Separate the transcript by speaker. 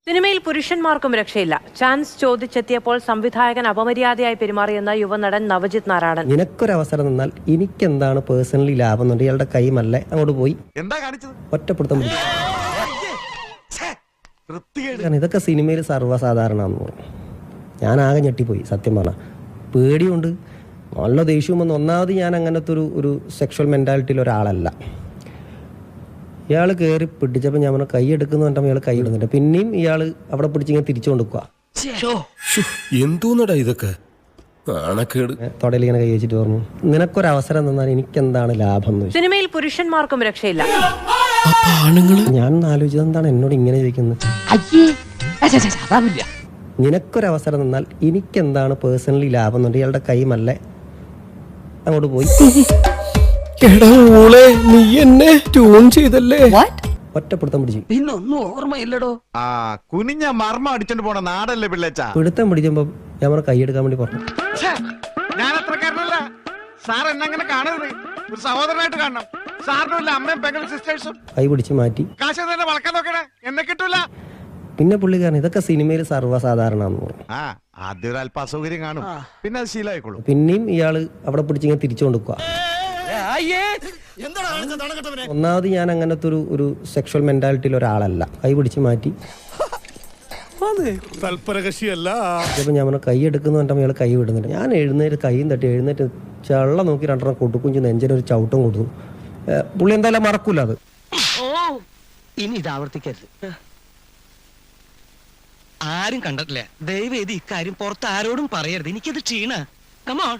Speaker 1: സിനിമയിൽ പുരുഷന്മാർക്കും രക്ഷയില്ല. ചാൻസ് ചോദിച്ചെത്തിയപ്പോൾ സംവിധായകൻ അപമര്യാദയായി പെരുമാറിയെന്ന യുവനടൻ നവജിത് നാരായണൻ.
Speaker 2: നിനക്കൊരവസരം തന്നാൽ എനിക്കെന്താണ് പേഴ്സണലി ലാഭം എന്നുണ്ട്. ഇയാളുടെ കൈമല്ലേ അങ്ങോട്ട് പോയി
Speaker 3: എന്താ കാണിച്ചത്?
Speaker 2: ഒറ്റപ്പെടുത്താൻ പറ്റും. ഇതൊക്കെ സിനിമയിൽ സർവ്വസാധാരണമാണെന്ന് പറഞ്ഞു. ഞാൻ ആകെ ഞെട്ടിപ്പോയി സത്യം പറഞ്ഞാൽ. പേടിയുണ്ട്, നല്ല ദേഷ്യവും വന്നു. ഒന്നാമത് ഞാൻ അങ്ങനത്തെ ഒരു സെക്ഷൽ മെൻറ്റാലിറ്റിയിൽ ഒരാളല്ല. ഇയാൾ കയറി പിടിച്ചപ്പോൾ ഞാൻ കൈ എടുക്കുന്നു പറഞ്ഞപ്പോൾ ഇയാൾ കൈ ഇടുന്നുണ്ട്. പിന്നെയും ഇയാൾ അവിടെ പിടിച്ചിങ്ങനെ തിരിച്ചു കൊടുക്കുക.
Speaker 4: എന്തോന്നടാ ഇതൊക്കെ
Speaker 2: തൊടയിൽ ഇങ്ങനെ കൈ വെച്ചിട്ട് പറഞ്ഞു, നിനക്കൊരവസരം തന്നാൽ എനിക്കെന്താണ് ലാഭം എന്ന്.
Speaker 1: സിനിമയിൽ പുരുഷന്മാർക്കും രക്ഷയില്ല.
Speaker 2: ഞാൻ ആലോചിച്ചത് എന്താണ് എന്നോട് ഇങ്ങനെ ചോദിക്കുന്നത്. നിനക്കൊരവസരം തന്നാൽ എനിക്കെന്താണ് പേഴ്സണലി ലാഭം എന്നുണ്ട്. ഇയാളുടെ കൈമല്ലേ അങ്ങോട്ട് പോയി.
Speaker 4: നീ എന്നെ ട്യൂൺ ചെയ്തല്ലേ?
Speaker 2: ഒറ്റപ്പെടുത്തം പിടിച്ചു.
Speaker 5: പിന്നൊന്നും ഓർമ്മയില്ലടോ.
Speaker 3: ആ കുനിഞ്ഞ മർമ്മ അടിച്ചോണ്ട് പോണ നാടല്ലേ പിള്ളേച്ച.
Speaker 2: പിടുത്തം പിടിച്ചപ്പോ ഞാൻ കൈ എടുക്കാൻ വേണ്ടി പറഞ്ഞു.
Speaker 3: ഞാൻ അത്രക്കാരനല്ല സാർ, എന്നെ അങ്ങനെ കാണരുത്. ഒരു സഹോദരനായിട്ട് കാണണം. സാറിനുള്ള അമ്മയും പെങ്ങളും സിസ്റ്റേഴ്സും.
Speaker 2: കൈ പിടിച്ച് മാറ്റി.
Speaker 3: കാശ് തന്നെ വളക്കാൻ നോക്കണേ, എന്നെ കിട്ടൂല.
Speaker 2: പിന്നെ പുള്ളിക്കാരൻ ഇതൊക്കെ സിനിമയിൽ സർവ്വസാധാരണമാണെന്ന് പറഞ്ഞു.
Speaker 3: ആ ആദ്യം ഒരു അല്പ അസൗകര്യം കാണും, പിന്നെ അത് ശീലമായിക്കോളും.
Speaker 2: പിന്നെയും ഇയാള് അവിടെ പിടിച്ചിങ്ങനെ തിരിച്ചു കൊടുക്കുക. ഒന്നാമത് ഞാൻ അങ്ങനത്തെ ഒരു സെക്ഷൽ മെന്റാലിറ്റിയിൽ ഒരാളല്ല. കൈ പിടിച്ച് മാറ്റി. ചിലപ്പോൾ ഞാൻ കൈ എടുക്കുന്നു പറഞ്ഞപ്പോൾ ഇയാൾ കൈ വിടുന്നുണ്ട്. ഞാൻ കൈയും തട്ടി എഴുന്നേറ്റ് ചള്ള നോക്കി രണ്ടെണ്ണം കൊടുക്കും. നെഞ്ചിനൊരു ചവിട്ടം കൊടുത്തു. പുള്ളി എന്തായാലും മറക്കൂല അത്.
Speaker 5: ഇനി ഇത് ആവർത്തിക്കരുത്. ആരും കണ്ടിട്ടില്ല. ദയവേദി ഇക്കാര്യം പുറത്ത് ആരോടും പറയരുത്. എനിക്കത് ക്ഷീണ. കമോൺ.